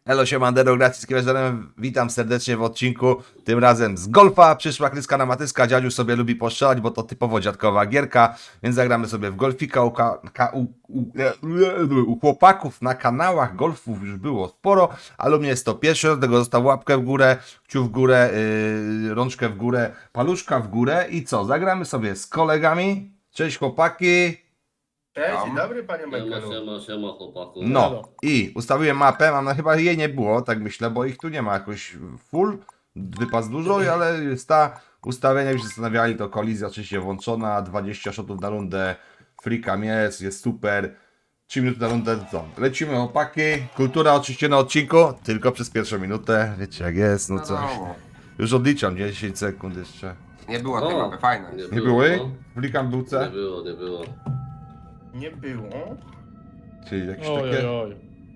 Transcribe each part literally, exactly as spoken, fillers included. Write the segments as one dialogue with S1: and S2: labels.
S1: Elo, siemandero, gracji z Kiełżerem. Witam serdecznie w odcinku, tym razem z golfa. Przyszła Kryska na matyska, dziadziuś sobie lubi postrzelać, bo to typowo dziadkowa gierka, więc zagramy sobie w golfika u, ka, ka, u, u, u chłopaków na kanałach. Golfów już było sporo, ale u mnie jest to pierwszy, do tego został łapkę w górę, kciuk w górę, yy, rączkę w górę, paluszka w górę i co, zagramy sobie z kolegami. Cześć chłopaki.
S2: Cześć, dzień dobry panie
S3: Siema,
S2: Michaelu.
S3: siema, siema chłopaku.
S1: No i ustawiłem mapę, mam chyba jej nie było, tak myślę, bo ich tu nie ma jakoś full, wypas dużo, ale jest ta ustawienia, już się zastanawiali, to kolizja oczywiście włączona, dwadzieścia shotów na rundę, free cam jest, jest super, trzy minuty na rundę, co? Lecimy chłopaki, kultura oczywiście na odcinku, tylko przez pierwszą minutę, wiecie jak jest, no coś.
S4: Wiadomo.
S1: Już odliczam, dziesięć sekund jeszcze.
S4: Nie było tej
S3: O,
S4: mapy, fajne.
S3: nie
S1: Nie były?
S3: no.
S1: Free cam był
S3: Nie
S1: C?
S3: było, nie było.
S2: Nie było.
S1: Czyli jakieś
S5: Oj, oj,
S1: takie...
S5: oj.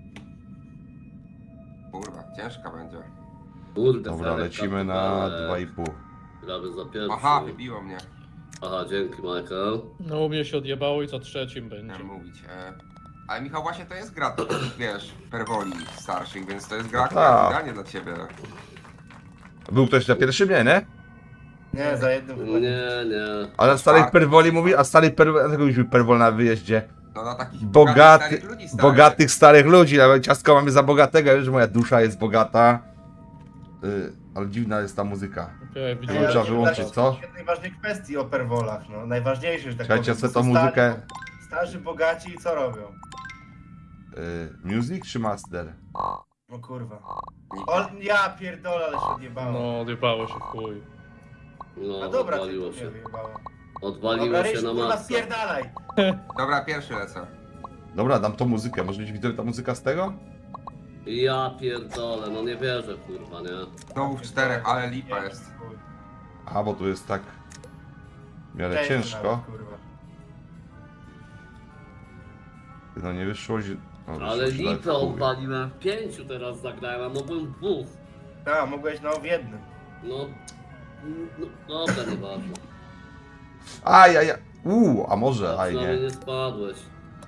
S4: Kurwa, ciężka będzie.
S3: Kurde,
S1: Dobra,
S3: Ferek,
S1: lecimy na
S3: kapitale.
S1: dwa i pół.
S3: Gramy za pierwszy.
S4: Aha, wybiło mnie.
S3: Aha, dzięki Michael.
S5: No u mnie się odjebało i co trzecim będzie.
S4: Chciałem mówić. E... Ale Michał, właśnie to jest gra, to, wiesz, perwoli starszych, więc to jest gra, która
S1: tak.
S4: jest idealnie dla ciebie.
S1: Był ktoś na pierwszym, nie, nie?
S2: Nie, za jednym chyba
S3: Nie, nie.
S1: A na starych perwoli mówi, a stary perwol, dlaczego mówimy perwol na wyjeździe?
S4: No na takich
S1: Bogaty,
S4: starych ludzi starych.
S1: bogatych starych ludzi, nawet ciastko mamy za bogatego, już moja dusza jest bogata. Yy, ale dziwna jest ta muzyka.
S5: Okej,
S1: No,
S5: widzimy.
S1: trzeba wyłączyć, co?
S2: Jednej ważnej kwestii o perwolach, no. Najważniejsze, że tak
S1: Czekajcie,
S2: powiem.
S1: co tą
S2: Stary-
S1: muzykę?
S2: Starzy, bogaci i co robią?
S1: Yy, music czy master?
S2: O kurwa. O, ja pierdolę, ale się odjebało.
S5: No, odjebało się w chuj.
S3: No,
S2: A dobra,
S3: odwaliło
S2: ty
S3: się.
S2: mnie wyjebało.
S3: Odwaliło
S2: Dobra,
S3: się
S2: Ryś,
S3: na
S2: kurwa,
S3: masę.
S2: spierdalaj!
S4: Dobra, pierwszy lecę.
S1: Dobra, dam tą muzykę, może być widzę ta muzyka z tego?
S3: Ja pierdolę, no nie wierzę kurwa, nie?
S4: Znowu w czterech, ale lipa jest.
S1: A, bo tu jest tak w miarę
S2: Cześć,
S1: ciężko.
S2: nawet, kurwa.
S1: No nie wyszło, zi- no, wyszło
S3: Ale
S1: źle,
S3: lipę
S1: chuj.
S3: odwaliłem. Pięciu teraz zagrałem, a mogłem dwóch.
S2: A, mogłeś no w jednym.
S3: No, no dobra, nieważne.
S1: Aj, aj, aj. Uuu, a może,
S3: A
S1: aj
S3: przynajmniej
S1: nie.
S3: nie spadłeś.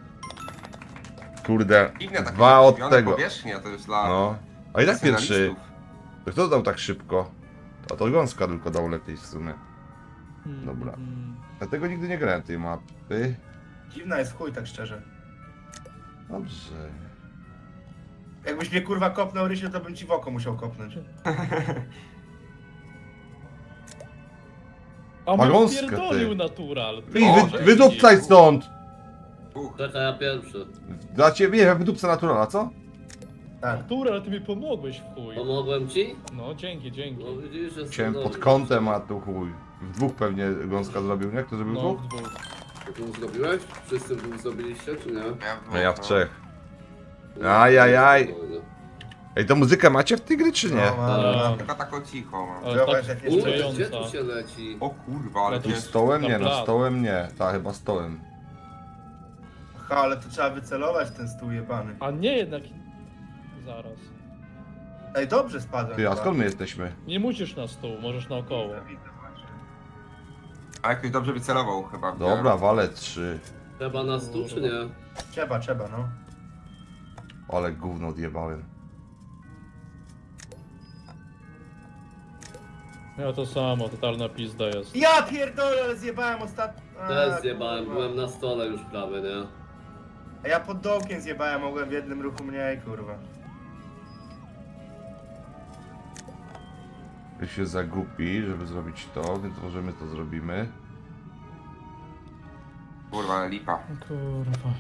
S1: Kurde,
S4: Dziwne takie
S1: dwa od
S4: zakrzywione
S1: tego.
S4: powierzchnie, to jest dla
S1: No. A i tak pierwszy.
S4: profesjonalistów.
S1: To kto dał tak szybko? A to Gąska tylko dał lepiej w sumie. Dobra.
S5: Mm,
S1: Dlatego nigdy nie grałem tej mapy.
S2: Dziwna jest w chuj, tak szczerze.
S1: Dobrze.
S2: Jakbyś mnie kurwa kopnął Rysiu, to bym ci w oko musiał kopnąć.
S5: A
S1: Pagąska,
S5: mnie pierdolił
S1: ty.
S5: natural.
S1: Ej,
S4: O,
S1: wy, wydupcaj stąd!
S4: Uch,
S3: Czekaj, ja pierwszy.
S1: Dla ciebie, nie, wydupca naturala, co?
S2: Tak.
S5: Natural, ty mi pomogłeś w chuj.
S3: Pomogłem ci?
S5: No, dzięki, dzięki.
S3: No widzisz, że
S1: Chciałem
S3: jestem
S1: pod
S3: dobry.
S1: kątem, a tu chuj. W dwóch pewnie Gąska zrobił, nie? Kto zrobił
S5: No,
S1: dwóch?
S5: w dwóch.
S3: Ty zrobiłeś? Wszyscy dwóch zrobiliście, czy nie?
S4: ja w,
S1: No ja w
S4: no.
S1: trzech.
S3: No,
S1: Ajajaj.
S3: spokojnie.
S1: Ej, to muzykę macie w tej gry, czy nie?
S2: No, mam,
S5: A.
S2: mam.
S4: Tylko tak cicho mam.
S5: Ale
S2: Zobacz,
S5: tak
S2: jak jest
S3: Kurde, gdzie
S5: wkurzająca.
S3: tu się leci?
S4: O kurwa, ale
S5: No to
S1: Tu
S4: ciężko.
S1: stołem? Nie,
S5: Na
S1: no
S5: blat.
S1: stołem nie. Ta, chyba stołem.
S2: Ha, ale to trzeba wycelować ten stół jebany.
S5: A nie jednak... Zaraz.
S2: Ej, dobrze spadłem.
S1: Ty, a
S2: chyba.
S1: skąd my jesteśmy?
S5: Nie musisz na stół, możesz naokoło.
S2: Widzę, widzę, właśnie.
S4: A jakoś dobrze wycelował chyba.
S1: Dobra, walę trzy.
S3: Trzeba na stół, czy nie?
S2: Trzeba, trzeba, no.
S1: Ale gówno odjebałem.
S5: Ja to samo, totalna pizda jest.
S2: Ja pierdolę, ale zjebałem ostatnio.
S3: Też zjebałem, byłem na stole już prawie, nie?
S2: A ja pod dołkiem zjebałem, mogłem w jednym ruchu mniej, kurwa.
S1: Wy się zagupi, żeby zrobić to, więc możemy to zrobimy.
S4: Kurwa, ale lipa.
S5: Kurwa.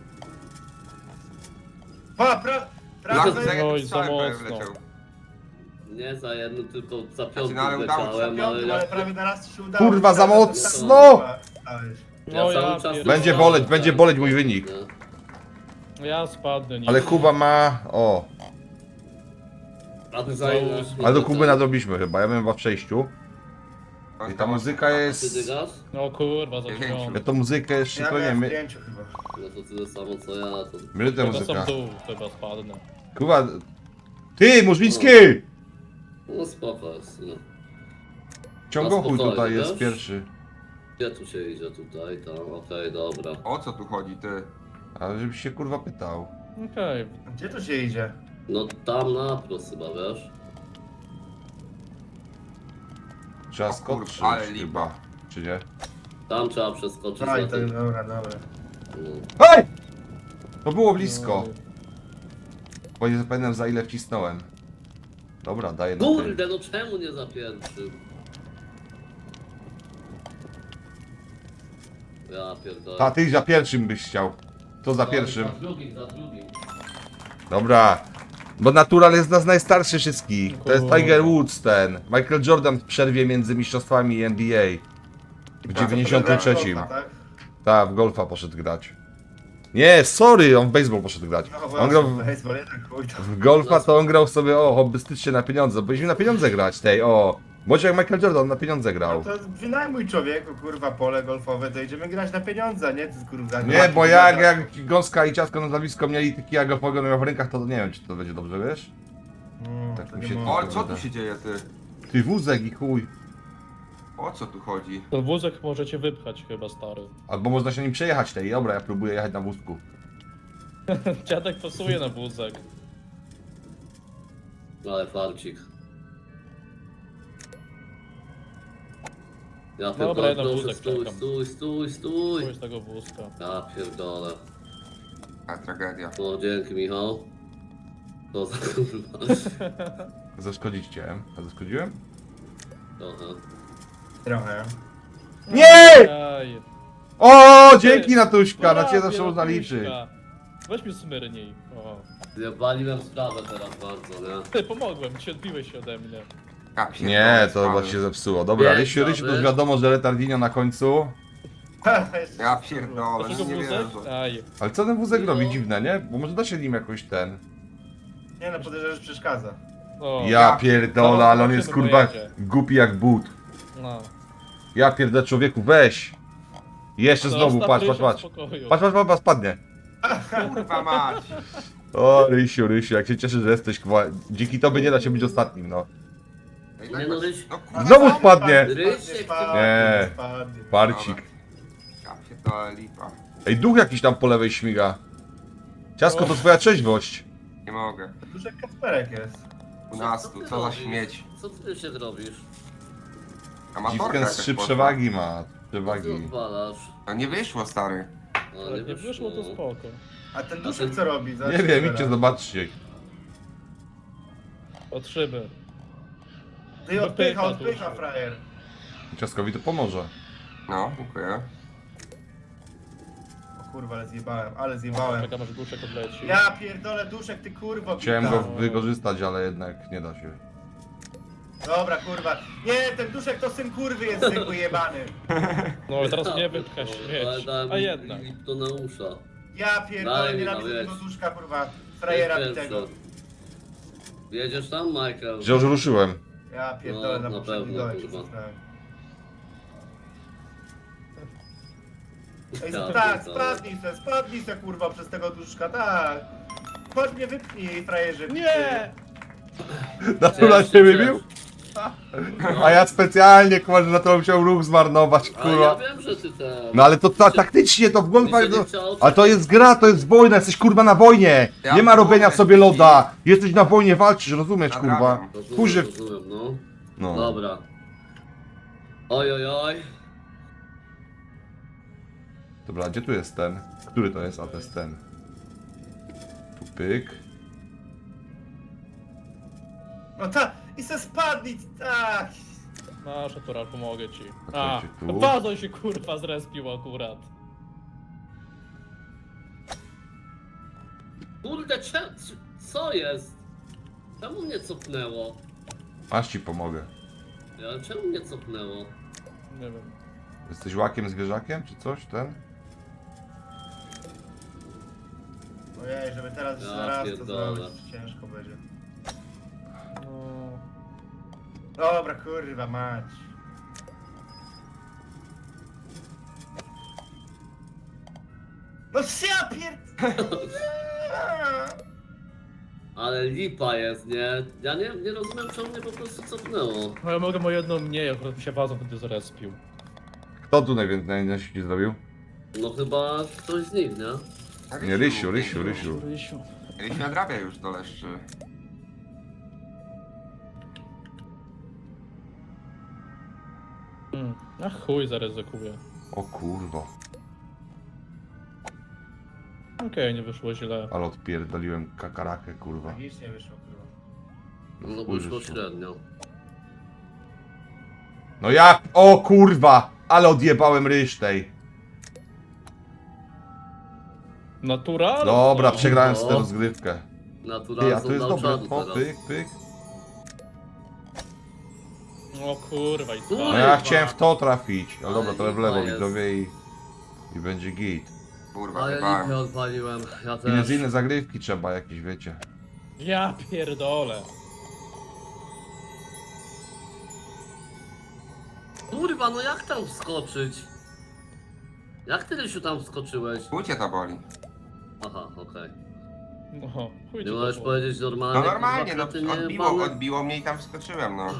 S2: Pa, pra,
S4: Lak
S2: prawy,
S4: za
S5: Oj,
S4: jednym
S5: za
S4: strzałem prawie
S5: mocno.
S4: wleciał.
S3: Nie za jednym, tylko za
S4: Znaczy,
S3: piątym
S4: no, ale udało się.
S3: leciałem, ale
S2: piątym,
S3: ja...
S2: ale prawie na raz ci się udało.
S1: Kurwa, za
S2: Prawie
S1: mocno!
S2: tak stałeś.
S5: No
S3: Ja
S5: ja,
S3: cały czas
S5: pier...
S1: Będzie
S3: stałem,
S1: boleć,
S3: tak.
S1: będzie boleć mój wynik.
S3: Nie.
S5: ja spadnę. Nie.
S1: Ale Kuba ma... O,
S3: A ty zajmujesz...
S1: ale do Kuby nadrobiliśmy chyba, ja byłem chyba w przejściu. I ta muzyka
S3: Ty
S1: jest...
S3: dygasz?
S5: No kurwa, za
S4: Pięciu.
S5: dziewiąty.
S1: Ja tą muzykę jeszcze
S2: Ja
S1: to nie
S2: miałem w
S1: my...
S2: pięciu chyba.
S3: No to tyle samo co ja, to...
S1: My tę
S5: Chyba sam
S1: muzyka.
S5: dół, chyba spadnę.
S1: Kuba... Ty, Murzyński!
S3: No spoko jest, no.
S1: Ciągochuj
S3: spokojnie,
S1: tutaj jest
S3: wiesz?
S1: pierwszy.
S3: Gdzie tu się idzie? Tutaj, tam, okej, dobra.
S4: O co tu chodzi, ty?
S1: Ale żebyś się kurwa pytał.
S5: Okej,
S2: Gdzie tu się idzie?
S3: No tam na plus chyba, wiesz?
S1: Trzeba
S4: O
S1: skoczyć
S4: kurwa, ale lipa.
S1: chyba. Czy nie?
S3: Tam trzeba przeskoczyć
S2: No i
S3: na
S2: to,
S3: tym.
S2: dobra, dobra.
S3: No.
S1: Hej! To było blisko.
S5: No,
S1: Bo nie zapamiętam za ile wcisnąłem. Dobra, daję na tym.
S3: Kurde, no czemu nie za pierwszym? Ja pierdolę.
S1: A ty za pierwszym byś chciał. To za
S3: No,
S1: pierwszym.
S3: Za drugim, za drugim.
S1: Dobra. Bo Natural jest z nas najstarszy wszystkich. To jest
S5: Kurde.
S1: Tiger Woods ten. Michael Jordan w przerwie między mistrzostwami N B A. W dziewięćdziesiątym trzecim.
S2: Golfa, tak?
S1: Tak, w golfa poszedł grać. Nie, sorry, on w baseball poszedł grać.
S2: No
S1: On
S2: właśnie,
S1: grał w,
S2: baseball, jednak chuj to.
S1: w golfa, to on grał sobie, o, hobbystycznie na pieniądze. Byliśmy na pieniądze grać tej, o. Bądź jak Michael Jordan na pieniądze
S2: No
S1: grał.
S2: to wynajmuj człowieku, kurwa, pole golfowe, to idziemy grać na pieniądze, nie? Ty, kurwa,
S1: Nie, bo jak, jak Gąska i Ciastko na nazwisko mieli taki jak golfowego miał w rękach, to nie wiem, czy to będzie dobrze, wiesz?
S2: Mm,
S1: tak
S2: to
S1: mi
S2: nie
S1: się-
S2: mogę.
S4: O, ale co tu się dzieje, ty?
S1: Ty wózek i chuj.
S4: O co tu chodzi?
S5: To wózek możecie wypchać chyba, stary.
S1: Albo można się nim przejechać tej, dobra, ja próbuję jechać na wózku.
S5: Dziadek pasuje na wózek.
S3: Ale farcik. Ja
S5: Dobra,
S3: pierdolę,
S5: ja na
S3: proszę,
S5: wózek
S3: stój,
S5: czekam.
S3: stój, stój, stój.
S5: Pójdź tego wózka.
S3: Ja pierdolę.
S4: A, tragedia.
S3: O, dzięki Michał. To za kurwa.
S1: Zaszkodzić chciałem. A zaszkodziłem?
S3: Trochę.
S2: Trochę.
S1: Nie!
S5: Aj.
S1: O, dzięki Natuśka, na ciebie
S5: Prawie,
S1: zawsze można liczyć.
S5: Natuśka. Weź mi smyrnij. O.
S3: Zjebaliłem sprawę teraz bardzo, nie?
S5: Ty, pomogłem ci, odbiłeś się ode mnie.
S4: Ja pierdolę,
S1: Nie, to
S4: spadłem.
S1: chyba się zepsuło. Dobra,
S3: Nie,
S1: Rysiu, Rysiu, to już
S3: dobry.
S1: wiadomo, że retardinio na końcu.
S2: Jeszcze
S4: Ja
S2: kurwa.
S4: pierdolę,
S5: Dlaczego
S4: no nie
S5: wózek?
S4: wierzę.
S5: Aj.
S1: Ale co ten wózek
S3: No.
S1: robi dziwne, nie? Bo może da się nim jakoś ten...
S2: Nie no, podejrzewam, że przeszkadza.
S5: O.
S1: Ja pierdolę, ale on jest
S5: Zobaczymy,
S1: kurwa
S5: pojedzie.
S1: głupi jak but.
S5: No.
S1: Ja pierdolę, człowieku, weź. Jeszcze znowu,
S5: Zostaw
S1: patrz,
S5: Rysia
S1: patrz,
S5: w
S1: patrz.
S5: spokoju.
S1: Patrz, patrz, patrz, patrz, spadnie.
S4: Kurwa mać.
S1: O, Rysiu, Rysiu, jak się cieszę, że jesteś, kwa... dzięki tobie nie da się być ostatnim, no.
S4: No i
S3: Nie
S4: tak
S3: no,
S4: masz-
S3: Ryś-
S4: No kurwa,
S1: Znowu
S2: Spadnie,
S1: spadnie.
S2: spadnie,
S3: Rysiek,
S2: spadnie,
S1: Nie.
S2: spadnie.
S1: Parcik.
S4: ja pierdolę, lipa.
S1: Ej, duch jakiś tam po lewej śmiga. Ciasko, to twoja trzeźwość.
S4: Nie mogę.
S2: Duży Kacperek jest.
S4: U nas
S3: Co
S4: tu,
S3: ty
S4: co za
S3: robisz?
S4: śmieć.
S3: Co ty się robisz?
S4: Amatorka
S1: Dziwkę z
S4: jakaś
S1: trzy
S4: poszła.
S1: przewagi ma.
S3: Co ty
S1: Przewagi.
S3: odwalasz?
S4: No nie wyszło, stary.
S3: A,
S5: Jak nie wyszło, to spoko.
S2: A ten duszek co robi?
S1: Nie
S2: Zobaczcie
S1: wiem,
S2: teraz.
S1: idźcie, zobaczcie.
S5: Patrzymy.
S2: Ty odpycha,
S5: Wypycha
S2: odpycha
S5: duszek.
S2: frajer.
S1: Ciaskowi to pomoże.
S4: No, dziękuję.
S2: O kurwa, ale zjebałem, ale zjebałem.
S5: Czekam aż duszek odleci.
S2: Ja pierdolę duszek, ty kurwo.
S1: Chciałem
S2: bita.
S1: go wykorzystać, ale jednak nie da się.
S2: Dobra, kurwa. Nie, ten duszek to syn kurwy jest zwykły jebany.
S5: No ale teraz nie wypcha
S3: Ale
S5: śmieć.
S3: dałem
S5: A
S3: mi-
S5: jednak.
S3: mi to na usza.
S2: Ja pierdolę,
S3: Daj mi
S2: nienawidzę
S3: na
S2: tego
S3: wieś.
S2: duszka, kurwa. Frajera
S3: Jest
S2: bitego.
S3: pierwszy. Jedziesz tam, Michael?
S1: Że już ruszyłem.
S2: Ja pierdolę
S3: No,
S2: na
S3: na
S2: poprzednim
S3: pewno,
S2: dole
S3: kurwa.
S2: przeczytałem. Ej,
S3: Ja
S2: tak,
S3: pierdolę.
S2: spadnij se, spadnij se kurwa przez tego duszka, tak. Chodź mnie wypnij, frajerze.
S5: Nie!
S1: Natura
S3: Cześć,
S1: się
S3: cześć.
S1: wybił? A ja specjalnie, kurwa, że na to musiał ruch zmarnować,
S3: A ja
S1: kurwa.
S3: wiem, że ty ten...
S1: No ale to ta, taktycznie, to w golfa...
S3: Mi się nie
S1: No,
S3: chciało
S1: ale to jest gra, to jest wojna, jesteś kurwa na wojnie.
S4: Ja
S1: Nie ma robienia
S4: mówię,
S1: sobie loda. Jesteś na wojnie, walczysz, rozumiesz, kurwa.
S4: Nadrabiam.
S3: Rozumiem,
S1: Kurze...
S3: rozumiem, no.
S1: No.
S3: Dobra. Oj, oj, oj.
S1: Dobra, gdzie tu jest ten? Który to jest? A to jest ten. Tu pyk.
S2: No ta, i se spadnij, tak.
S5: Masz, Natural, pomogę ci.
S1: A
S5: A,
S1: to idzie tu.
S5: wazon się kurwa zrespił akurat.
S3: Kurde, cze... co jest? Czemu mnie cofnęło?
S1: Aż ci pomogę.
S3: Ale czemu mnie cofnęło?
S5: Nie wiem.
S1: Jesteś łakiem zwierzakiem, czy coś, ten?
S2: Ojej, żeby teraz
S3: Ja
S2: jeszcze raz to
S3: pierdolę.
S2: zrobić, ciężko będzie.
S5: No...
S2: Dobra, kurwa mać. No ja pierd...
S3: Ale lipa jest, nie? Ja nie, nie rozumiem, czemu mnie po prostu cofnęło.
S5: No ja mogę o jedno mniej, akurat mi się wazon wtedy zrespił.
S1: Kto tu najwięcej najwięcej zrobił?
S3: No chyba ktoś z nich, nie?
S1: Nie, Rysiu, Rysiu, Rysiu.
S5: Rysiu.
S4: Ryś nadrabia już do leszczy.
S5: Hmm. A chuj, zaryzykuję.
S1: O kurwa.
S5: Okej, nie wyszło źle.
S1: Ale odpierdoliłem kakarakę, kurwa.
S2: Magicznie wyszło, kurwa.
S3: No
S1: chuj
S3: wyszło
S1: wyszło.
S3: średnio.
S1: No ja... O kurwa! Ale odjebałem ryż tej.
S5: Natural?
S1: Dobra,
S5: No.
S1: przegrałem z
S3: No.
S1: tę rozgrywkę. Ty,
S3: Naturalnie
S1: a tu jest dobre. O,
S3: teraz.
S1: pyk, pyk.
S5: O kurwa, i
S3: Kurwa.
S1: No
S5: co?
S1: ja chciałem w to trafić. Ale dobra,
S3: Ale
S1: to w lewo
S3: lipa jest.
S1: widzowie i... I będzie git.
S4: Kurwa,
S3: Ale
S4: chyba.
S3: lipę odpaliłem, ja też.
S1: Inne, inne zagrywki trzeba jakieś, wiecie.
S5: Ja pierdolę.
S3: Kurwa, no jak tam wskoczyć? Jak ty, Rysiu, tam wskoczyłeś?
S4: Chuj to boli.
S3: Aha, okej.
S5: No, chuj
S3: Nie
S5: ci
S3: możesz
S5: to
S3: powiedzieć normalnie?
S4: No normalnie,
S3: kurwa,
S4: no
S3: ty nie
S4: odbiło,
S3: bany?
S4: odbiło mnie i tam wskoczyłem, no.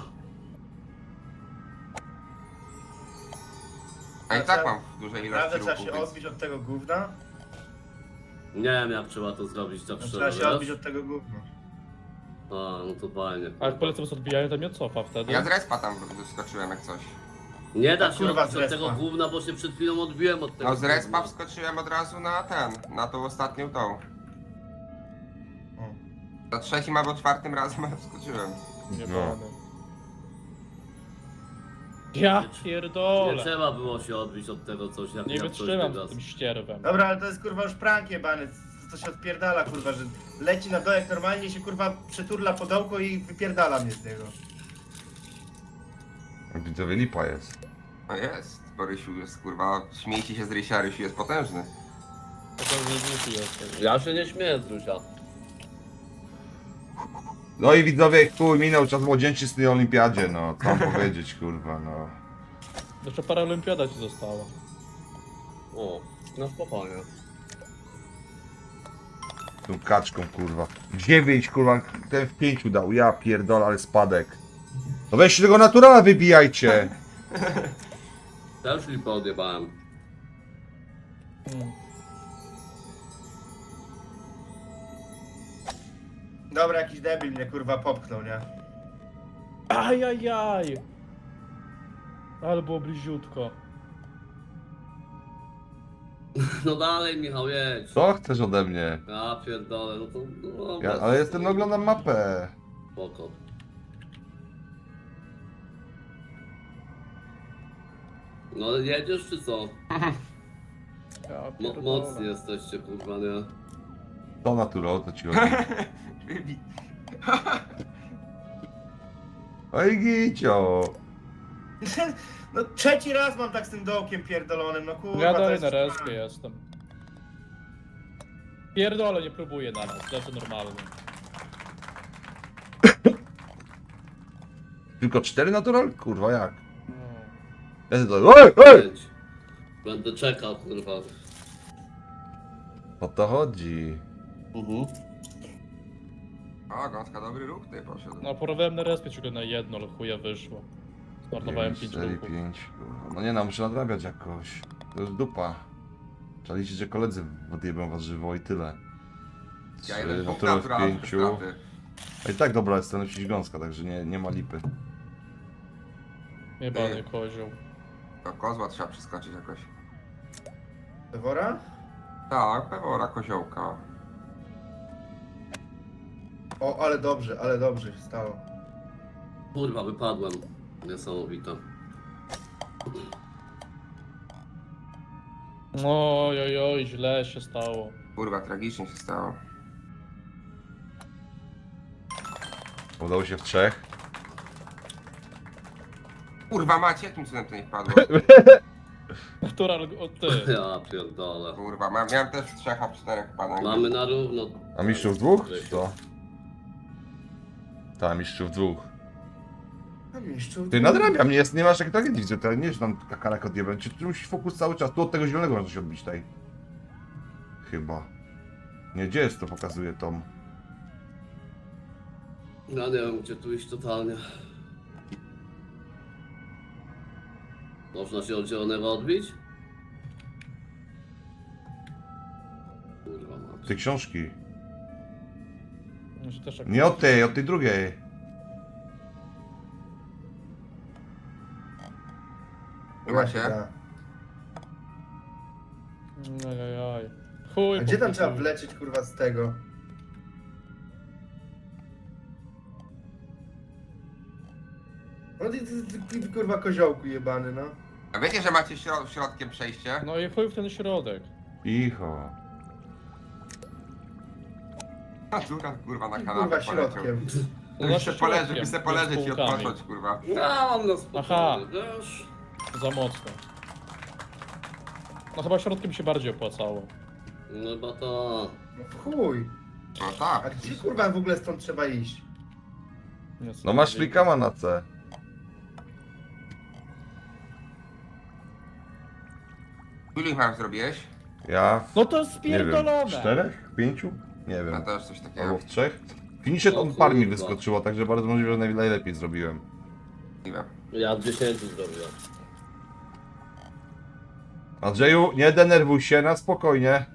S4: A i tak mam w dużej ilości
S2: Naprawdę trzeba
S4: ruchu,
S2: się
S4: więc...
S2: odbić od tego gówna?
S3: Nie wiem, jak trzeba to zrobić, tak
S2: No,
S3: szczerze,
S2: trzeba się
S3: wiesz?
S2: odbić od tego gówna.
S3: A, no to fajnie.
S5: A jak polecam sobie odbijają, to mnie cofa wtedy.
S4: Ja z respa tam wskoczyłem jak coś.
S3: Nie da
S2: A
S3: się
S2: kurwa,
S3: odbić
S2: z
S3: od
S2: respa.
S3: tego gówna, bo się przed chwilą odbiłem od tego
S4: No z respa
S3: gówna.
S4: wskoczyłem od razu na ten, na tą ostatnią tą.
S2: O.
S4: Za trzecim albo czwartym razem wskoczyłem.
S5: Nie
S1: No.
S5: bany. Ja
S3: Nie
S5: pierdolę.
S3: trzeba było się odbić od tego coś, jak
S5: Nie
S3: jak coś
S5: wytrzymam
S3: wygasł.
S5: z tym ścierwem.
S2: Dobra, ale to jest kurwa już prank jebany, co się odpierdala kurwa, że leci na dołek normalnie się kurwa przeturla podołko i wypierdala mnie z niego.
S1: Widzowie lipa jest.
S4: No jest, bo Rysiu jest kurwa, śmiejcie się z Rysia, Rysiu jest potężny.
S5: To to nie głupi jestem.
S3: Ja się nie śmieję z Rusia.
S1: No i widzowie, chuj, minął czas młodzieńczysty na olimpiadzie, no. Co mam powiedzieć, kurwa, no.
S5: Jeszcze paraolimpiada ci została.
S3: O, na spokojnie.
S1: Tą kaczką, kurwa. Dziewięć, kurwa, ten w pięciu dał. Ja pierdolę, ale spadek. No weźcie tego naturala, wybijajcie.
S3: Też lipę odjebałem.
S5: Hmm.
S2: Dobra, jakiś debil mnie kurwa popchnął, nie?
S5: Ajajaj! Ale było bliziutko.
S3: No dalej, Michał, jedź.
S1: Co chcesz ode mnie?
S3: Ja pierdolę, no to... No,
S1: Ja,
S3: bez-
S1: ale jestem, no oglądam mapę.
S3: Spoko. No jedziesz czy co?
S5: Ja
S3: Mo
S5: pierdolę.
S3: mocni jesteście, kurwa, nie?
S1: To natural, to ci chodzi.
S4: Wybi-
S1: Oj, gicio.
S2: No trzeci raz mam tak z tym dołkiem pierdolonym, no kurwa
S5: Ja
S2: to
S5: dalej
S2: jest
S5: na respie jestem. Pierdolę, nie próbuję na nas, lecę normalnie.
S1: Tylko cztery natural? Kurwa, jak?
S5: No.
S1: Ja to... Ej, ej!
S3: Jedź. Będę czekał, kurwa.
S1: O to chodzi.
S3: Mhm.
S4: O, gąska dobry ruch ty poszedł.
S5: No, porwałem na respie tylko na jedno, ale chuja wyszło. Zmarnowałem pięć
S1: cztery,
S5: ruchów.
S1: pięć. No nie no, muszę nadrabiać jakoś. To jest dupa. Trzeba liczyć, że koledzy odjebią was żywo i tyle.
S4: Ja
S1: Trzy
S4: jeden dwóch
S1: natural w
S4: naturalnych
S1: pięciu.
S4: straty.
S1: A i tak dobra jest ten lepszy gąska, także nie, nie ma lipy.
S5: Jebany kozioł.
S4: Do kozła trzeba przeskoczyć jakoś.
S2: Pewora?
S4: Tak, pewora koziołka.
S2: O, ale dobrze, ale dobrze się stało.
S3: Kurwa, wypadłem. Niesamowite.
S5: Oj, oj, oj, źle się stało.
S4: Kurwa, tragicznie się stało.
S1: Udało się w trzech.
S4: Kurwa macie, jakim cudem to nie wpadło?
S5: Natural, o ty.
S3: Ja pierdolę.
S4: Kurwa, ma, miałem też w trzech, a w czterech padłem.
S3: Mamy na równo.
S1: A mistrzów dwóch? Czy to? Tak, mistrzów dwóch.
S2: A mistrzu...
S1: Ty nadrabia mnie, jest, nie masz jak tragedii, widzę, to nie, że tam kakarek odjebę. Czy tu musi fokus cały czas? Tu od tego zielonego można się odbić tutaj. Chyba. Nie, gdzie jest to pokazuje Tom?
S3: Ja nie wiem, gdzie tu iść totalnie. Można się od zielonego odbić? Kurwa mać.
S1: Te książki.
S5: Że też jak-
S1: Nie od tej, od tej drugiej.
S4: Macie?
S2: Da.
S5: Ajajaj. Chuj,
S2: A gdzie tam trzeba
S5: chuj.
S2: wlecieć kurwa z tego? No ty, ty, ty, ty kurwa koziołku jebany, no.
S4: A wiecie, że macie środ środkiem przejście?
S5: No i chuj w ten środek.
S1: Cicho.
S4: Natura kurwa na
S2: I
S4: kanapę
S2: kurwa
S4: poleciał.
S2: środkiem.
S5: No
S4: By se poleżeć,
S5: środkiem,
S4: by se
S5: nie
S4: poleżeć
S5: z
S4: i
S5: półkami.
S4: odpocząć kurwa.
S3: Ja mam na
S5: Aha.
S3: spokojnie, wiesz?
S5: Za mocno. No chyba środkiem się bardziej opłacało.
S3: No chyba to...
S2: No w chuj.
S4: No
S2: A
S4: tak.
S2: gdzie kurwa w ogóle stąd trzeba iść?
S5: Nie
S1: No masz flikama na C.
S4: Ilu ich mam zrobiłeś?
S1: Ja
S5: No to jest
S1: w, nie wiem,
S5: spierdolone!
S1: czterech? Pięciu? Nie
S4: Ja
S1: wiem.
S4: też coś
S1: Albo
S4: takiego.
S1: w trzech? Finishet
S3: O
S1: on par mi
S3: kurwa.
S1: wyskoczyło, także bardzo możliwe, że naj- najlepiej zrobiłem.
S4: Nie wiem.
S3: Ja w dziesięciu zrobiłem.
S1: Andrzeju, nie denerwuj się, na spokojnie.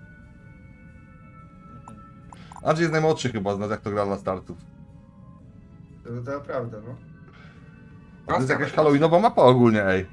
S1: Andrzej jest najmłodszy chyba z nas, jak to gra dla startów.
S2: To, to prawda, no.
S1: A to jest jakaś halloweenowa mapa ogólnie, ej.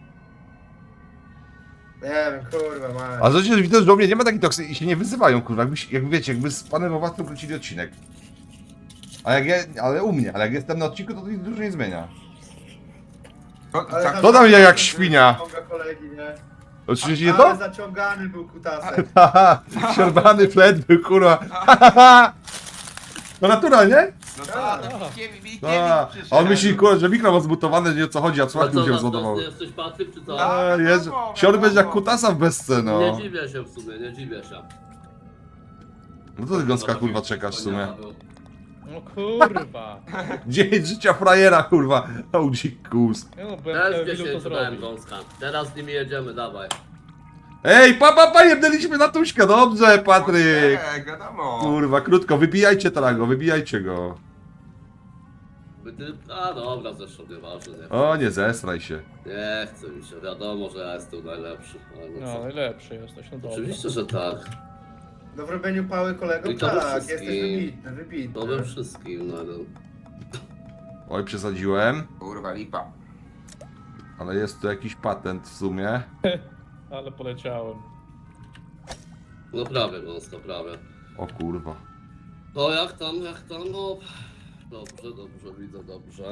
S2: Nie wiem, kurwa, ma.
S1: A zresztą widzę, że u mnie nie ma takich toksy i się nie wyzywają, kurwa, jakby, jak wiecie, jakby z panem Owacem kręcili odcinek. A jak ja, ale u mnie, ale jak jestem na odcinku, to to nic dużo nie zmienia.
S4: To,
S2: Ale
S4: tak,
S1: To tam jak, jak świnia.
S2: Ciąga kolegi, nie?
S1: Oczywiście nie
S2: Ale
S1: to?
S2: zaciągany był kutasem.
S1: Haha, siorbany flet był, kurwa. Haha. No natura, nie?
S4: no tak, no Mikiewicz, Mikiewicz
S1: A,
S4: przyszedł.
S1: a on myśli, kurwa, że mikro ma zmutowane, że nie o co chodzi, a
S3: A
S1: słuchawki
S3: co,
S1: mu się
S3: na
S1: rozładowały.
S3: stosy jesteś Patryk, czy co?
S4: Tak.
S1: A, jest,
S4: wiadomo,
S1: siorbę jak
S4: wiadomo.
S1: kutasa w bezce, no.
S3: Nie dziwię się w sumie, nie dziwię się.
S1: No to ty gąska, kurwa, czekasz w sumie.
S5: No kurwa.
S1: Dzień życia frajera, kurwa. O, dzikus.
S5: Nie no, byłem
S3: Też w
S5: chciał ilu to
S3: dziesięciu dałem
S5: zrobić.
S3: gąska. Teraz z nimi jedziemy, dawaj.
S1: Ej, pa, pa, pa, jebnęliśmy na Tuśka, dobrze, Patryk.
S4: Nie, wiadomo.
S1: Kurwa, krótko, wybijajcie Tarago, wybijajcie go.
S3: By ty... A dobra, zresztą nieważne, nie.
S1: O, nie zesraj się.
S3: Nie chcę mi się, wiadomo, że ja jestem najlepszy. Ale no
S5: No,
S3: co?
S5: najlepszy jesteś, no dobra.
S3: Oczywiście, że tak.
S2: No w robieniu pały kolego,
S3: I to we
S2: tak,
S3: wszystkim.
S2: jesteś wybitny, wybitny.
S3: To we wszystkim, no, no.
S1: Oj, przesadziłem,
S4: Kurwa, lipa.
S1: ale jest tu jakiś patent w sumie.
S5: Ale poleciałem.
S3: No prawie, gąska, prawie.
S1: O kurwa.
S3: No jak tam, jak tam, no... Dobrze, dobrze, widzę, dobrze.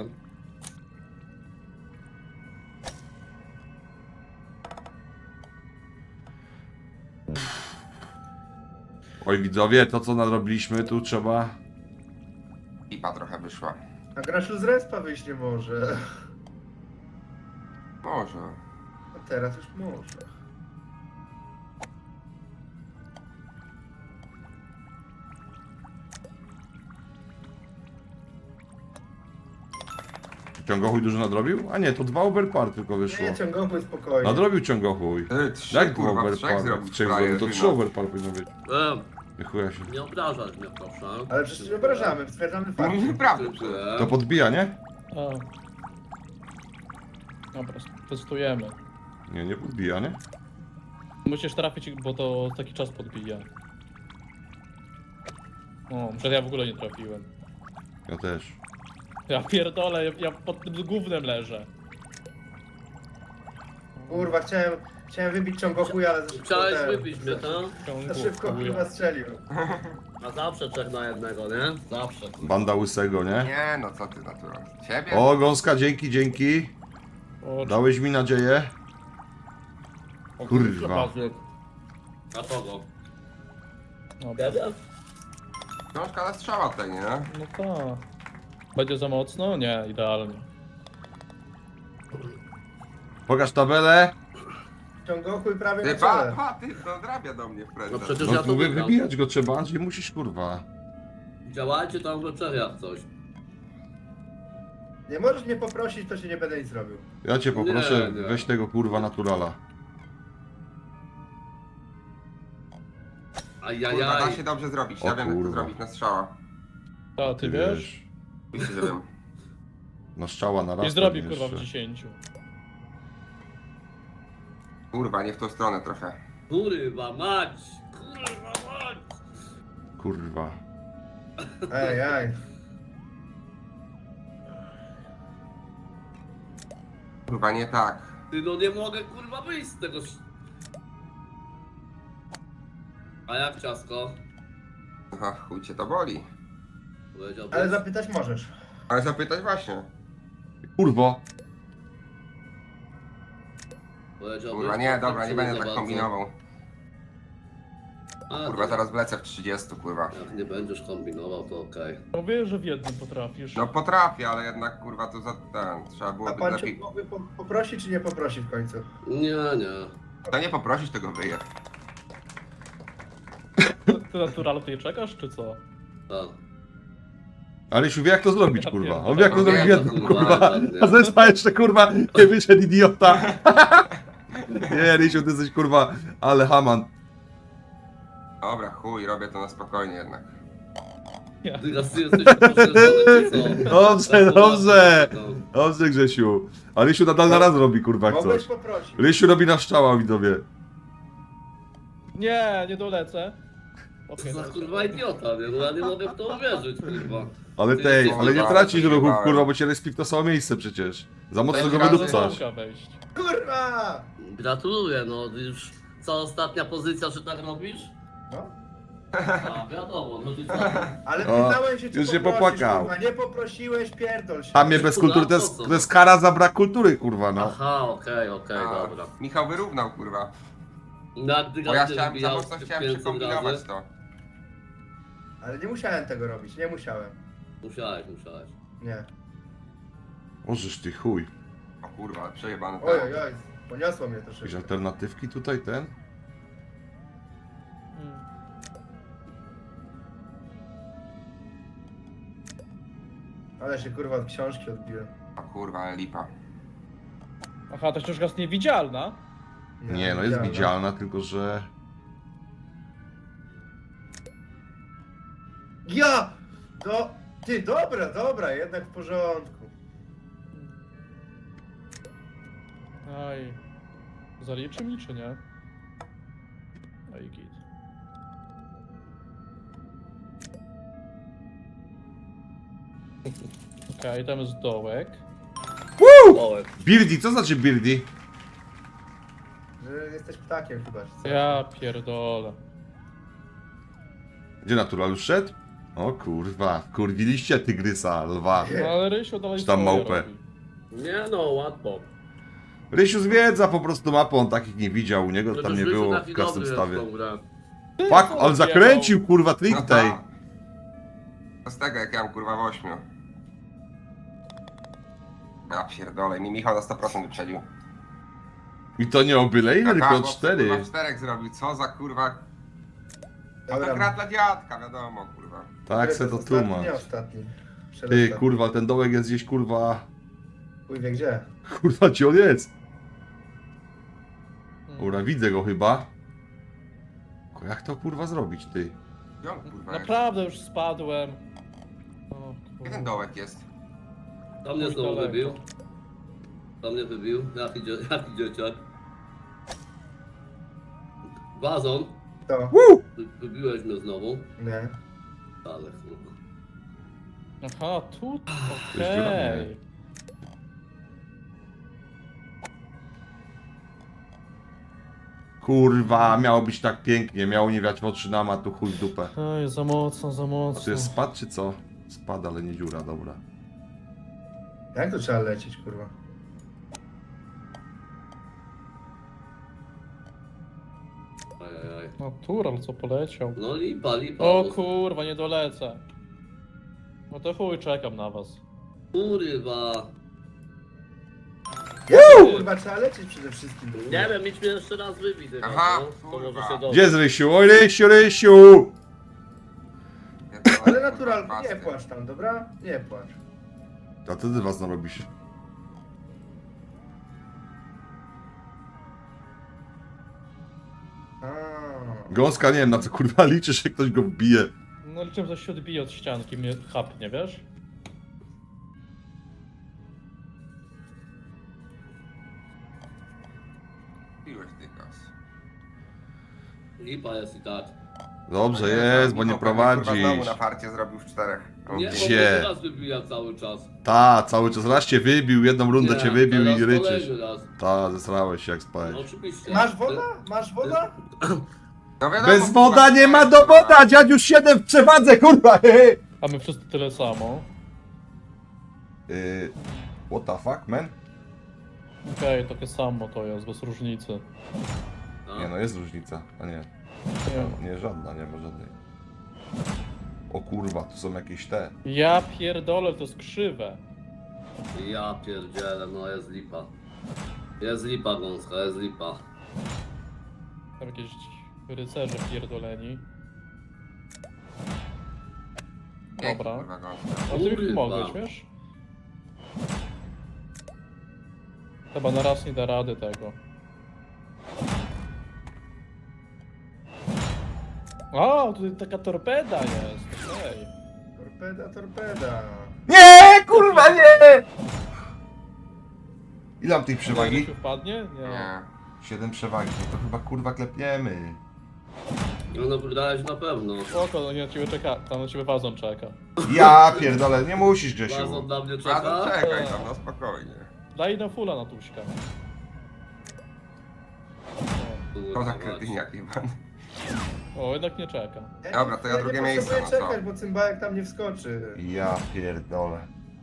S1: Oj, widzowie, to co nadrobiliśmy, tu trzeba...
S4: Lipa trochę wyszła.
S2: A Graszu z respa wyjść nie może.
S4: Może.
S2: A teraz już może.
S1: Ciągochuj dużo nadrobił? A nie, to dwa overpar tylko wyszło.
S2: Nie, ciągowy spokojnie.
S1: Nadrobił ciągochuj.
S4: Ty, trzy,
S1: Jak dwa
S4: kurwa,
S1: overpar?
S4: trzech zrobić
S1: Trzech
S4: frajer,
S1: zrobił, to
S4: ty,
S1: trzy
S4: no.
S1: overpar powinno być.
S3: E,
S1: Nie chuja się.
S3: nie obrażać mnie, proszę.
S2: Ale przecież nie obrażamy, stwierdzamy
S4: No
S2: fakt.
S4: nieprawda.
S3: Dziękuję.
S1: To podbija, nie?
S5: A. Dobra, testujemy.
S1: Nie, nie podbija, nie?
S5: Musisz trafić, bo to taki czas podbija. O, przed ja w ogóle nie trafiłem.
S1: Ja też.
S5: Ja pierdolę, ja, ja pod tym gównem leżę.
S2: Kurwa, chciałem, chciałem wybić ciągochuj, ale za szybko
S3: Chciałeś
S2: ten-
S3: wypić mnie, tak?
S5: Ciągu,
S2: Za szybko
S5: chuja.
S2: kurwa strzelił.
S3: A zawsze trzech na jednego, nie? Zawsze.
S1: Banda łysego, nie?
S4: Nie, no co ty, natura. Ciebie?
S1: O, gąska, dzięki, dzięki.
S5: O,
S1: Dałeś mi nadzieję.
S5: o,
S1: Kurwa.
S3: A kogo?
S5: Dobra.
S3: Ciebie?
S4: Książka na strzała tutaj, nie?
S5: No tak. Będzie za mocno? Nie, idealnie.
S1: Pokaż tabelę.
S2: Ciągochuj prawie
S4: Ty,
S2: na
S4: pa,
S2: czele.
S4: pa, ty, no drabia do mnie w
S3: No
S4: prezent.
S3: przecież
S1: No
S3: ja to
S1: tu wy-
S3: wygram.
S1: wybijać go trzeba, Andrzej, musisz, kurwa.
S3: Działajcie tam w wieczeriach coś.
S2: Nie możesz mnie poprosić, to się nie będę nic robił.
S1: Ja cię poproszę,
S3: Nie, nie.
S1: weź tego kurwa naturala.
S4: Kurwa, da
S3: Ajajaj.
S4: się dobrze zrobić,
S1: O
S4: ja wiem jak to
S1: kurwa.
S4: zrobić na strzała.
S5: Ta, ty wiesz?
S4: Oczywiście, że wiem.
S1: No strzała na raz.
S5: I zrobi
S1: pewnie
S5: kurwa w
S1: jeszcze.
S5: dziesięciu.
S4: Kurwa, nie w tą stronę trochę.
S3: Kurwa mać! Kurwa mać!
S1: Kurwa.
S2: Ej, ej.
S4: Kurwa, nie tak.
S3: Ty no nie mogę kurwa wyjść z tego. sz- A jak ciasko?
S4: Aha, chuj cię to boli.
S3: Powiedziałbyś?
S2: Ale zapytać możesz.
S4: Ale zapytać właśnie.
S1: Kurwo.
S3: Powiedziałbyś,
S4: Kurwa, nie,
S3: to
S4: dobra, nie
S3: czy
S4: będę
S3: za
S4: tak
S3: bardzo?
S4: kombinował.
S3: A,
S4: Kurwa,
S3: to-
S4: zaraz wlecę w trzydzieści, kurwa.
S3: Jak nie będziesz kombinował, to okej.
S5: Mówię, że w jednym potrafisz.
S4: No potrafię, ale jednak kurwa to za ten. Trzeba
S2: A
S4: byłoby
S2: pan cię
S4: lepiej.
S2: mógłby po- poprosi, czy nie poprosi w końcu?
S3: Nie, nie.
S4: To nie poprosisz tego wyje.
S5: Ty natural tutaj czekasz, czy co?
S3: Tak.
S1: Ale się wie jak to zrobić,
S5: Ja
S1: kurwa.
S5: pierdolę.
S1: On wie jak to
S4: No
S1: zrobić w
S4: wiem,
S1: jednym,
S3: kurwa,
S1: kurwa.
S3: ładnie.
S1: A zresztą jeszcze, kurwa, nie wyszedł idiota. Nie, Rysiu, ty jesteś, kurwa, ale haman.
S4: Dobra, chuj, robię to na spokojnie jednak.
S3: Ty raz ty jesteś poszerzony, czy co?
S1: Dobrze,
S3: Tak,
S1: dobrze.
S3: no.
S1: Dobrze, Grzesiu. A Rysiu nadal na raz robi, kurwa, jak
S2: Mogłeś
S1: coś.
S2: poprosić.
S1: Rysiu robi na szczała, widzowie.
S5: Nie, nie dolecę.
S3: Co
S5: Okej,
S3: za
S5: dobra.
S3: kurwa idiota, nie? No ja nie mogę w to uwierzyć, kurwa.
S1: Ale
S3: Ty
S1: tej,
S3: jesteś
S1: ale nie
S4: kurwa,
S1: tracisz ruchów,
S4: zjebałem.
S1: kurwa, bo cię respi w to samo miejsce przecież. Za mocno
S4: Będzie
S1: go
S4: razem
S1: wydupcasz.
S5: Zdąża wejść.
S2: Kurwa!
S3: Gratuluję, no już co ostatnia pozycja, że tak robisz?
S2: No.
S3: A, wiadomo, no ty co?
S2: Ale
S1: O,
S2: pytałem się, czy
S1: już się
S2: poprosisz,
S1: popłakał.
S2: kurwa. Nie poprosiłeś, pierdol się.
S1: A mnie bez kultury, to jest, to jest kara za brak kultury, kurwa, no.
S3: Aha, okej, okej,
S4: A,
S3: dobra.
S4: Michał wyrównał, kurwa.
S3: No jak ty
S4: Bo ja
S3: ty
S4: chciałem, za
S3: wbijał
S4: mocno chciałem
S3: pięćset
S4: przekombinować
S3: razy?
S4: to.
S2: Ale nie musiałem tego robić, nie musiałem.
S3: Musiałeś, musiałeś.
S2: Nie.
S1: Możesz ty chuj.
S4: O kurwa, przejebany
S2: Oj,
S4: temat.
S2: oj, oj. Poniosło mnie to
S1: Jakieś
S2: szybko.
S1: alternatywki tutaj, ten?
S5: Hmm.
S2: Ale się kurwa od książki odbiłem.
S4: O kurwa, ale lipa.
S5: Aha, ta książka jest niewidzialna.
S1: Nie, no jest widzialna, tylko że...
S2: Ja! Do... Ty, dobra, dobra, jednak w porządku.
S5: Aj. Zaliczy mi, czy nie? Aj, git. Okej, tam jest dołek.
S3: Dołek.
S1: Birdie, co znaczy birdie?
S2: Że jesteś ptakiem chyba, czy co?
S5: Ja pierdolę.
S1: Gdzie natural już szedł? O kurwa, kurwiliście tygrysa, lwa.
S5: No ale Rysiu dalej
S1: Czy tam
S5: swoje
S1: małpę?
S5: robi.
S3: Nie no, łatwo.
S1: Rysiu zwiedza po prostu mapę, on takich nie widział, u niego tam
S3: Przecież
S1: nie
S3: Rysiu
S1: było
S3: taki
S1: w custom
S3: dobry
S1: stawie.
S3: jest w tą grę.
S1: Fuck,
S5: co
S1: on zakręcił kurwa
S4: No
S1: trik tej.
S4: tak. To z tego jak ja mam kurwa w ośmiu. Ja pierdolę, mi Michał na sto procent wyprzedził.
S1: I to nie o byle ile, tylko
S4: Aha,
S1: o
S4: bo
S1: cztery.
S4: kurwa czterech zrobił, co za kurwa... A to
S2: Dobra.
S4: gra dla dziadka, wiadomo kurwa.
S1: Tak
S2: Który
S1: se
S2: jest
S1: to
S2: ostatni?
S1: tłumacz.
S2: Nie ostatni.
S1: Ty
S2: Przedostatni.
S1: kurwa, ten dołek jest gdzieś kurwa...
S2: Chuj wie gdzie.
S1: Kurwa, gdzie on jest?
S5: Hmm.
S1: Dobra, widzę go chyba. Tylko jak to kurwa zrobić, ty?
S4: Gdzie on kurwa jest?
S5: Naprawdę już spadłem. O,
S4: Gdzie ten dołek jest?
S3: Tam mnie
S5: Już
S3: znowu
S5: daleko.
S3: wybił. Tam mnie wybił. Jaki, dzie jaki dzieciak. Wazon.
S2: To.
S1: Woo!
S3: Wy wybiłeś mnie znowu.
S2: Nie.
S3: Ale kurwa.
S5: Aha, tu.
S1: jest dziura?
S5: Okej.
S1: Kurwa, miało być tak pięknie, miało nie wiać w oczy nam, a tu chuj w dupę.
S5: Oj, za mocno, za
S1: A
S5: mocno.
S1: to jest spad czy co? Spad, ale nie dziura, dobra.
S2: Jak to trzeba lecieć, kurwa?
S3: Ajajaj.
S5: Natural, co poleciał.
S3: No lipa, lipa.
S5: O
S3: no,
S5: kurwa, nie dolecę. No to chuj, czekam na was.
S3: Kurwa.
S2: Jak to, kurwa, trzeba lecieć przede wszystkim.
S3: Nie wiem, idź mnie jeszcze raz wybić. chyba,
S4: Aha,
S3: no. To może
S4: kurwa.
S3: się dobrze.
S1: Gdzie jest Rysiu? Oj, Rysiu, Rysiu!
S4: Pierdolę,
S2: Ale
S4: kurwa,
S2: naturalnie, nie
S4: pasty.
S2: płacz tam, dobra? Nie płacz.
S1: A to ty was narobisz.
S2: A.
S1: Gąska, nie wiem na co kurwa liczysz, jak ktoś go wbije.
S5: No liczę, że się odbije od ścianki, mnie chapnie, wiesz?
S4: Piłeś ty kas.
S3: Lipa jest i tak.
S1: Dobrze
S4: No
S1: jest, bo nie
S4: Michał pewnie, kurwa,
S1: prowadzisz.
S4: znowu na farcie zrobił w czterech. O,
S3: Nie, bo
S1: Gdzie?
S3: mnie teraz wybija cały czas.
S1: Ta, cały czas raz cię wybił, jedną rundę
S3: Nie,
S1: cię wybił
S3: teraz
S1: i ryczysz.
S3: kolejny raz.
S1: Ta, zesrałeś się jak spałeś.
S3: No, oczywiście.
S2: Masz woda? Masz woda?
S4: No wiadomo,
S1: Bez
S4: kurwa,
S1: woda nie ma
S4: kurwa.
S1: dowoda, dziadziuś siedem w przewadze, kurwa!
S5: A my wszyscy tyle samo.
S1: Yy, what the fuck, man?
S5: Okej, takie samo to jest, bez różnicy.
S3: No.
S1: Nie no, jest różnica, a nie.
S5: Nie.
S1: Nie, żadna, nie ma żadnej. O kurwa, tu są jakieś te.
S5: Ja pierdolę, to jest krzywe.
S3: Ja pierdzielę, no jest lipa. Jest lipa gąska, jest lipa.
S5: Tam jakieś rycerze pierdoleni.
S4: Ej,
S5: Dobra.
S4: kurwa, gąska.
S5: A ty mi
S3: Kurwa.
S5: pomogłeś, wiesz? Chyba na raz nie da rady tego. O, tutaj taka torpeda jest, okej.
S2: Torpeda, torpeda.
S1: Nie, kurwa, nie! Ile mam tej
S5: Czy
S1: przewagi?
S5: wpadnie? Nie.
S4: Nie.
S1: siedem przewagi, no to chyba kurwa klepniemy.
S3: No napierdalać na pewno.
S5: Spoko, no nie na ciebie czeka, tam na ciebie wazon czeka.
S1: Ja pierdolę, nie musisz,
S3: Bazon
S1: Grzesiu.
S3: dla mnie
S4: Bardzo
S3: czeka.
S4: czekaj tam, no spokojnie.
S5: Daj na fula na tuśka.
S4: To za kretyn jak Iwan.
S5: O, jednak nie czeka.
S2: Ja
S4: Dobra, to ja
S2: nie
S4: drugie
S2: potrzebuję
S4: miejsce, no co?
S2: czekać, bo cymbałek tam nie wskoczy.
S1: Ja pierdolę.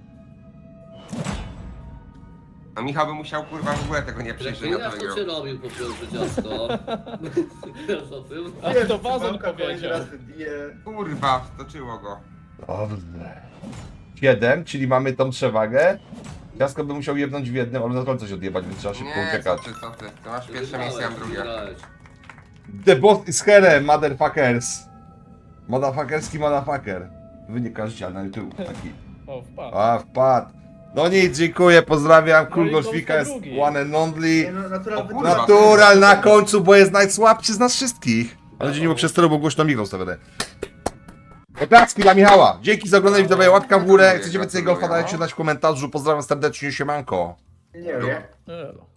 S4: No Michał by musiał kurwa w ogóle tego nie przejść, że ja to
S3: Jak to
S4: wygrał.
S3: cię robił po pierwsze ciasto? Wiesz o tym?
S5: A
S2: Wiem,
S5: to wazon
S2: cymbałka kolejny
S5: powiedział.
S2: raz wybije.
S4: Kurwa, wstoczyło go.
S1: Dobrze. siedem, czyli mamy tą przewagę. Ciasko by musiał jebnąć w jednym, ale na końcu coś odjebać, więc trzeba szybko
S4: Nie, co
S1: uciekać.
S4: ty, co ty. To masz pierwsze miejsce, ja mam drugie.
S3: Wygrałeś.
S1: The boss is here, motherfuckers. Motherfuckerski motherfucker. Wynika życia na YouTube taki.
S5: O, wpadł.
S1: A, wpadł. No nic, dziękuję, pozdrawiam.
S5: No
S1: Cool
S5: i
S1: Golfika
S5: Golfka
S1: jest
S5: drugi.
S1: one and
S2: Nie
S1: only.
S2: no, natural
S4: O
S2: wy-
S4: kurwa.
S1: Natural na końcu, bo jest najsłabszy z nas wszystkich. Ale dzień nie było przesteru, bo głośno Michał stawiane. Oklaski dla Michała. Dzięki za oglądanie, widzowie, łapka w górę. Jak chcecie więcej golfa, dajcie znać w komentarzu. Pozdrawiam serdecznie, siemanko.
S2: Nie wiem.
S5: Elo.